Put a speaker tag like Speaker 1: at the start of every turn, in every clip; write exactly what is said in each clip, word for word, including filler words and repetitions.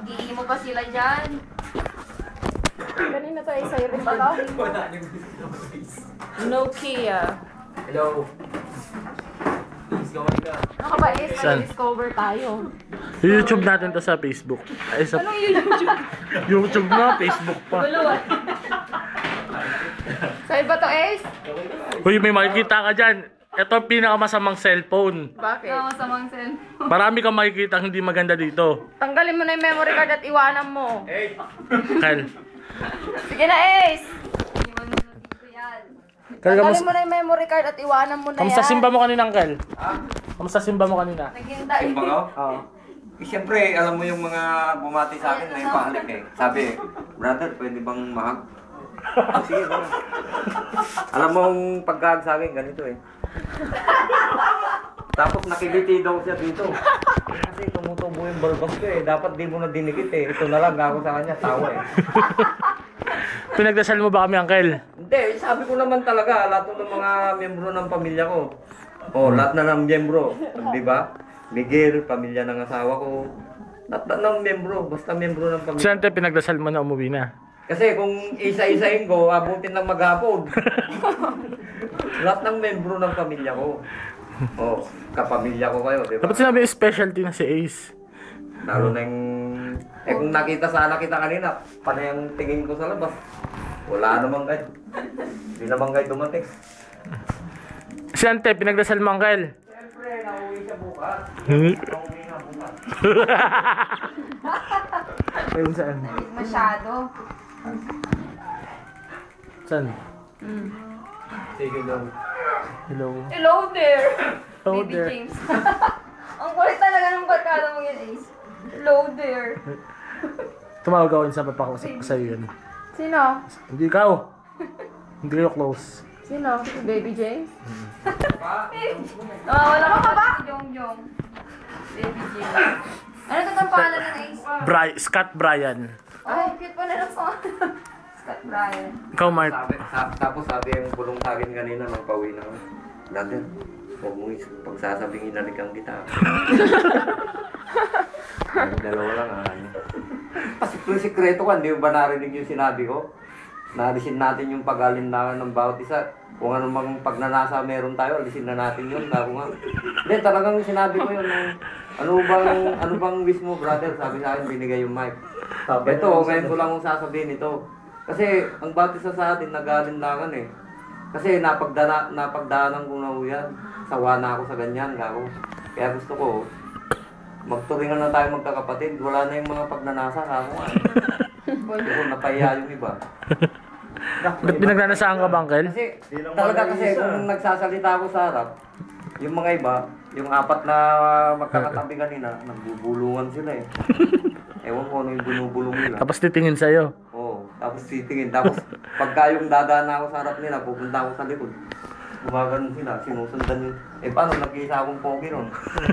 Speaker 1: Mag-iimo pa sila dyan.
Speaker 2: Kanina tayo sa'yo rin ba? Nokia.
Speaker 3: Hello. Please, gawin ka.
Speaker 2: Ano ba is?
Speaker 4: Saan?
Speaker 2: Discover tayo.
Speaker 4: YouTube natin to sa Facebook. Ay, sa
Speaker 2: Anong YouTube?
Speaker 4: YouTube na, Facebook pa.
Speaker 2: Buluan. Sa'yo ba to, Ace?
Speaker 4: Uy, may makikita ka dyan. Ito ang pinakamasamang cellphone.
Speaker 2: Bakit?
Speaker 1: Ikaw masamang sen.
Speaker 4: Marami kang makikita hindi maganda dito.
Speaker 2: Tanggalin mo na yung memory card at iwanan mo.
Speaker 3: Hey!
Speaker 4: Kyle.
Speaker 2: Sige na, Ace!
Speaker 1: Iwan mo na dito yan.
Speaker 4: Kyle,
Speaker 2: Tanggalin
Speaker 4: kamusta,
Speaker 2: mo na yung memory card at iwanan mo na
Speaker 4: kamusta
Speaker 2: yan.
Speaker 4: simba mo kanina, Kyle?
Speaker 3: Ha?
Speaker 4: Kamusta simba mo kanina?
Speaker 1: Naghintay.
Speaker 3: Yung mga
Speaker 4: Oo.
Speaker 3: Eh, siyempre, alam mo yung mga bumati sa akin na yung pahalik eh. Sabi, brother, pwede bang mahag? Ah, sige, gano'n. Alam mo yung pagkahag sa akin, ganito eh. Tapos nakiliti daw siya dito. Kasi tumutubo yung balbas ko eh. Dapat di mo na dinikit eh. Ito na lang, gago sa kanya, tawa eh.
Speaker 4: Pinagdasal mo ba kami, Uncle?
Speaker 3: Hindi, sabi ko naman talaga, lahat ng mga miyembro ng pamilya ko. Oh, lahat na ng miyembro, di ba? Miguel, pamilya ng asawa ko. Lahat na ng miyembro, basta miyembro ng pamilya.
Speaker 4: Siyempre, pinagdasal mo na umuwi na.
Speaker 3: Kasi kung isa-isahin ko, abutin ng maghapon. Lahat ng miyembro ng pamilya ko. Oh, kapamilya ko kayo, di ba?
Speaker 4: Dapat sinabi yung specialty na si Ace.
Speaker 3: Lalo na yung... Eh kung nakita sana kita kanina, panay ang tingin ko sa labas. Wala naman kayo. Hindi naman kayo dumating.
Speaker 4: Siyempre, pinagdasal mo, Uncle.
Speaker 3: Siyempre, nauwi siya bukas.
Speaker 4: Hmm?
Speaker 3: Nauwi na bukas.
Speaker 4: Ayun, saan?
Speaker 1: Masyado.
Speaker 4: Saan?
Speaker 1: Mm.
Speaker 3: Sige daw.
Speaker 4: Hello.
Speaker 1: Hello there.
Speaker 4: Hello
Speaker 1: Baby
Speaker 4: there.
Speaker 1: James. Ang kulit talaga ng barkada mo yun, Ace. Hello there.
Speaker 4: Tumawag ako sa papakausap ko sa'yo yun.
Speaker 2: Sino?
Speaker 4: Hindi ikaw. Hindi kayo close.
Speaker 2: Sino? Baby James?
Speaker 1: Nawawala ka ba? Jong Jong. Baby James. Ano ito ang pangalan ng Ace?
Speaker 4: Bri Scott Bryan.
Speaker 1: Ay, cute pa na ng pangalan. Scott Bryan.
Speaker 4: Ikaw, Mark.
Speaker 3: Sabi, sa, tapos sabi yung bulong sa akin kanina nang pauwi na ako. Brother, huwag mo is- pagsasabing inalikan kita. Ang dalawa lang ah. Kasi kung sikreto ka, hindi mo ba narinig yung sinabi ko? Naalisin natin yung pag-alinlangan ng bawat isa. Kung anong pagnanasa meron tayo, alisin na natin yun. Sabi nga. Hindi, talagang sinabi ko yun. Nung, ano bang, ano bang wish mo, brother? Sabi sa akin, binigay yung mic. Ito, ngayon ko lang kung sasabihin ito. Kasi ang bawat isa sa atin, nag-alinlangan eh. Kasi napagdana, napagdaanan ko na yan. Sawa na ako sa ganyan, kako. Kaya gusto ko, magturingan na tayo magkakapatid. Wala na yung mga pagnanasa, kako nga. Pero napahiya yung iba.
Speaker 4: Ba't pinagnanasaan ka ba, Uncle?
Speaker 3: Kasi talaga kasi kung nagsasalita ako sa harap, yung mga iba, yung apat na magkakatabi kanina, nagbubulungan sila eh. Ewan ko ano yung binubulong nila.
Speaker 4: Tapos titingin sa'yo.
Speaker 3: Oo, tapos titingin. Tapos pagka yung dadaan na ako sa harap nila, pupunta ako sa likod. Gumagano sila, sinusundan yun. Eh paano, nag-iisa akong pogi nun.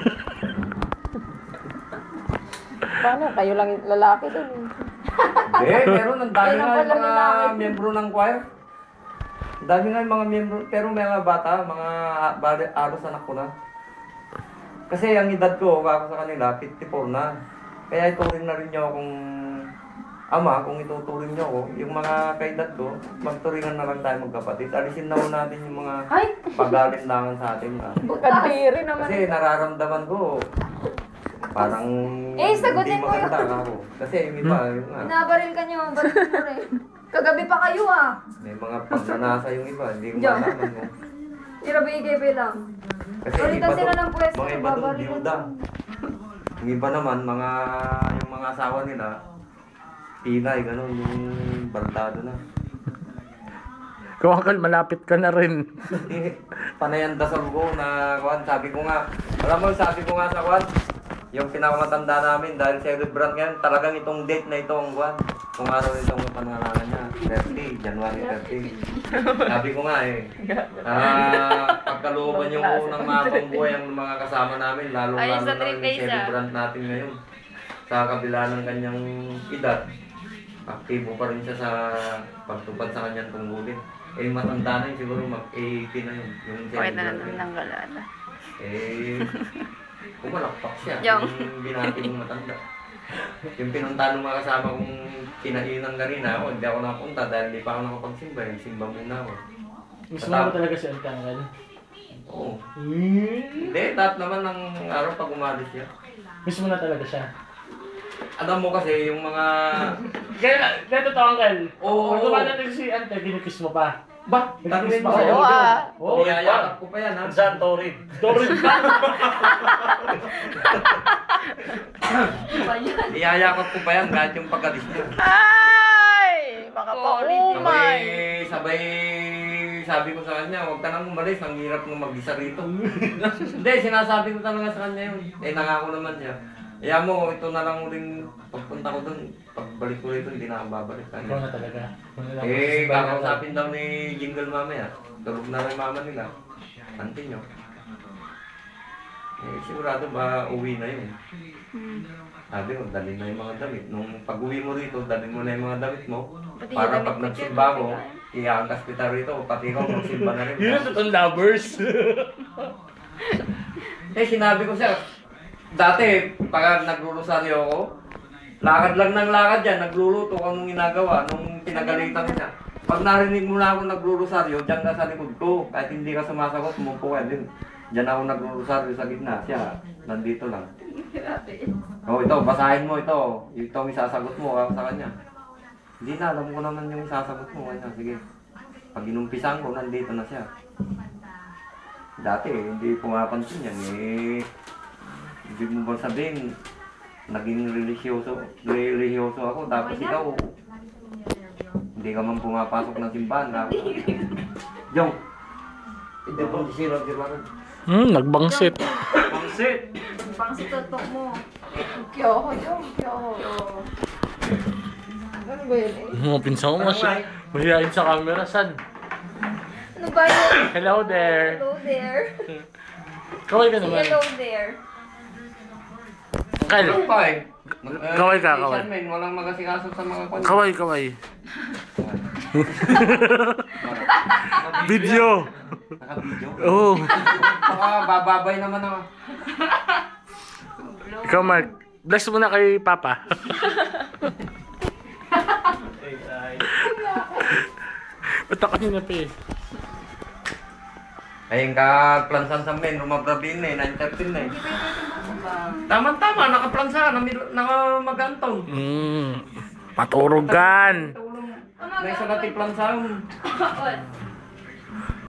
Speaker 2: Paano? Kayo lang yung lalaki dun.
Speaker 3: Eh, meron, ang dami
Speaker 2: Kailan
Speaker 3: nga
Speaker 2: pala
Speaker 3: yung mga
Speaker 2: lalaki?
Speaker 3: miyembro ng choir. Ang dami nga yung mga miyembro, pero may mga bata, mga bali, aros anak ko na. Kasi ang edad ko, ako sa kanila, fifty-four na. Kaya ituring na rin nyo akong ama, kung ituturing nyo ako, yung mga kaedad ko, magturingan na lang tayo magkapatid. Alisin na ho natin yung mga
Speaker 1: Ay!
Speaker 3: pag-alinlangan sa atin. Ah.
Speaker 2: Kadiri naman.
Speaker 3: Kasi nararamdaman ko, parang
Speaker 1: Eh, sagutin
Speaker 3: hindi
Speaker 1: mo yun.
Speaker 3: maganda ako. Kasi yung iba, yung nga.
Speaker 1: Binabaril ka niyo. Baril mo rin. Kagabi pa kayo ah.
Speaker 3: May mga pagnanasa yung iba, hindi ko
Speaker 1: Diyan.
Speaker 3: malaman mo.
Speaker 1: Irabigay lang.
Speaker 3: Kasi yung
Speaker 1: Balitan
Speaker 3: iba
Speaker 1: sila
Speaker 3: doon,
Speaker 1: ng pwesto,
Speaker 3: mga iba doon,
Speaker 1: babarilan.
Speaker 3: biyuda. Yung iba naman, mga, yung mga asawa nila, pinay, gano'n, yung baldado na.
Speaker 4: Ikaw, Uncle, malapit ka na rin.
Speaker 3: Eh, panayan dasal ko na, kuwan, sabi ko nga, alam mo, sabi ko nga sa kuwan, yung pinakamatanda namin, dahil celebrant ngayon, talagang itong date na ito, ang kuwan, kung araw itong pangalangan niya, thirty, January thirty. Sabi ko nga eh, ah, pagkalooban yung unang mabang buhay ang mga kasama namin, lalo
Speaker 1: Ay,
Speaker 3: lalo
Speaker 1: sa
Speaker 3: na
Speaker 1: three
Speaker 3: yung
Speaker 1: days, ah.
Speaker 3: celebrant natin ngayon. Sa kabila ng kanyang edad, aktibo pa rin siya sa pagtupad sa kanyang tungkulin. Eh, matanda na yun, siguro mag-eighty na yun. Yung
Speaker 1: Pakita na
Speaker 3: celebrant
Speaker 1: natin
Speaker 3: niya.
Speaker 1: ng galata.
Speaker 3: Eh, pumalakpak siya.
Speaker 1: Yung-
Speaker 3: Yung binati mong matanda. Yung pinunta ng mga kasama kong kinainan kanina ako, hindi ako napunta dahil hindi pa ako nakapagsimba. Simba muna ako.
Speaker 4: Gusto mo ba talaga si Antanggal?
Speaker 3: Oo.
Speaker 4: Hmm.
Speaker 3: Hindi, lahat naman ng araw pag umalis siya.
Speaker 4: Gusto mo na talaga siya?
Speaker 3: Alam mo kasi yung mga...
Speaker 4: Kaya, kaya totoo, Uncle.
Speaker 3: Oo.
Speaker 4: Pag dumadating si Ante, kinikis mo pa.
Speaker 3: Ba?
Speaker 4: Nagkikiss
Speaker 3: Tangin
Speaker 4: pa
Speaker 3: mo
Speaker 4: kayo?
Speaker 2: Oo, ah.
Speaker 4: Oo,
Speaker 3: Niyayakap ko pa yan ha.
Speaker 4: Saan, Torin? Torin ba?
Speaker 1: Ba yan?
Speaker 3: Niyayakap ko pa yan kahit yung pagkalis niya.
Speaker 2: Ay! Baka pa
Speaker 1: Sorry.
Speaker 2: umay.
Speaker 3: Sabay, sabay, sabi ko sa kanya, huwag ka nang umalis, ang hirap nung mag-isa rito. Hindi, sinasabi ko talaga sa kanya yun. Eh, nangako naman siya. Kaya mo, ito na lang uling pagpunta ko dun. Pagbalik ko rito, hindi na ako babalik.
Speaker 4: Ikaw na talaga. Ikaw na lang.
Speaker 3: Eh, kakausapin daw ni Jingle mamaya. Tulog na rin mama nila. Auntie nyo. Eh, sigurado ba uwi na yun? Sabi ko, dalhin na yung mga damit. Nung pag-uwi mo rito, dalhin mo na yung mga damit mo.
Speaker 1: Pati
Speaker 3: Para
Speaker 1: yung
Speaker 3: pag
Speaker 1: damit ko
Speaker 3: nagsimba
Speaker 1: dyan,
Speaker 3: ko,
Speaker 1: pati
Speaker 3: iangkas kita rito. Pati ikaw, magsimba na rin.
Speaker 4: Yun ang totoong lovers.
Speaker 3: Eh, sinabi ko siya, dati, pag naglulosaryo ako, lakad lang ng lakad yan, nagluluto ko anong ginagawa, nung pinagalitan ko siya. Pag narinig mo na ako naglulosaryo, dyan ka sa likod ko. Kahit hindi ka sumasagot, umupo ka din. Dyan ako naglulosaryo sa gitna. Siya, nandito lang.
Speaker 1: Grabe.
Speaker 3: Oh, ito, basahin mo ito. Ito ang isasagot mo ah, sa kanya. Hindi na, alam ko naman yung isasagot mo. Kanya, sige. Pag inumpisan ko, nandito na siya. Dati, hindi pumapansin yan eh. Hindi mo ba sabihin, naging religyoso, religyoso ako, tapos ikaw, hindi ka man pumapasok ng simbahan. Jong, hindi po si Sir Roger Warren.
Speaker 4: Hmm, nagbangsit.
Speaker 3: Pangsit!
Speaker 1: Pang si tutok mo.
Speaker 2: Kyoho yung, kyoho. Ano ba yun eh?
Speaker 4: Mga pinsan mo, masya. Mahihain sa camera, san?
Speaker 1: Ano ba yun?
Speaker 4: Hello there.
Speaker 1: Hello there.
Speaker 4: Kaway ka naman.
Speaker 1: Hello there.
Speaker 4: Kyle,
Speaker 3: Ano pa eh?
Speaker 4: Kaway ka, kaway.
Speaker 3: Asian men, walang magasikaso sa mga kwan.
Speaker 4: kaway, kaway. Video.
Speaker 3: Naka-video?
Speaker 4: Oo.
Speaker 3: Baka bababay naman ako.
Speaker 4: Ikaw, Mark. Bless mo na kay Papa. Ba't ako kanina pa eh?
Speaker 3: Ayun ka, plansan sa men, rumabrabin eh, nine thirteen eh. Tama-tama, nakaplansa, nakamagantong.
Speaker 4: Hmm. Paturugan.
Speaker 3: May isa natin plansa.
Speaker 1: What?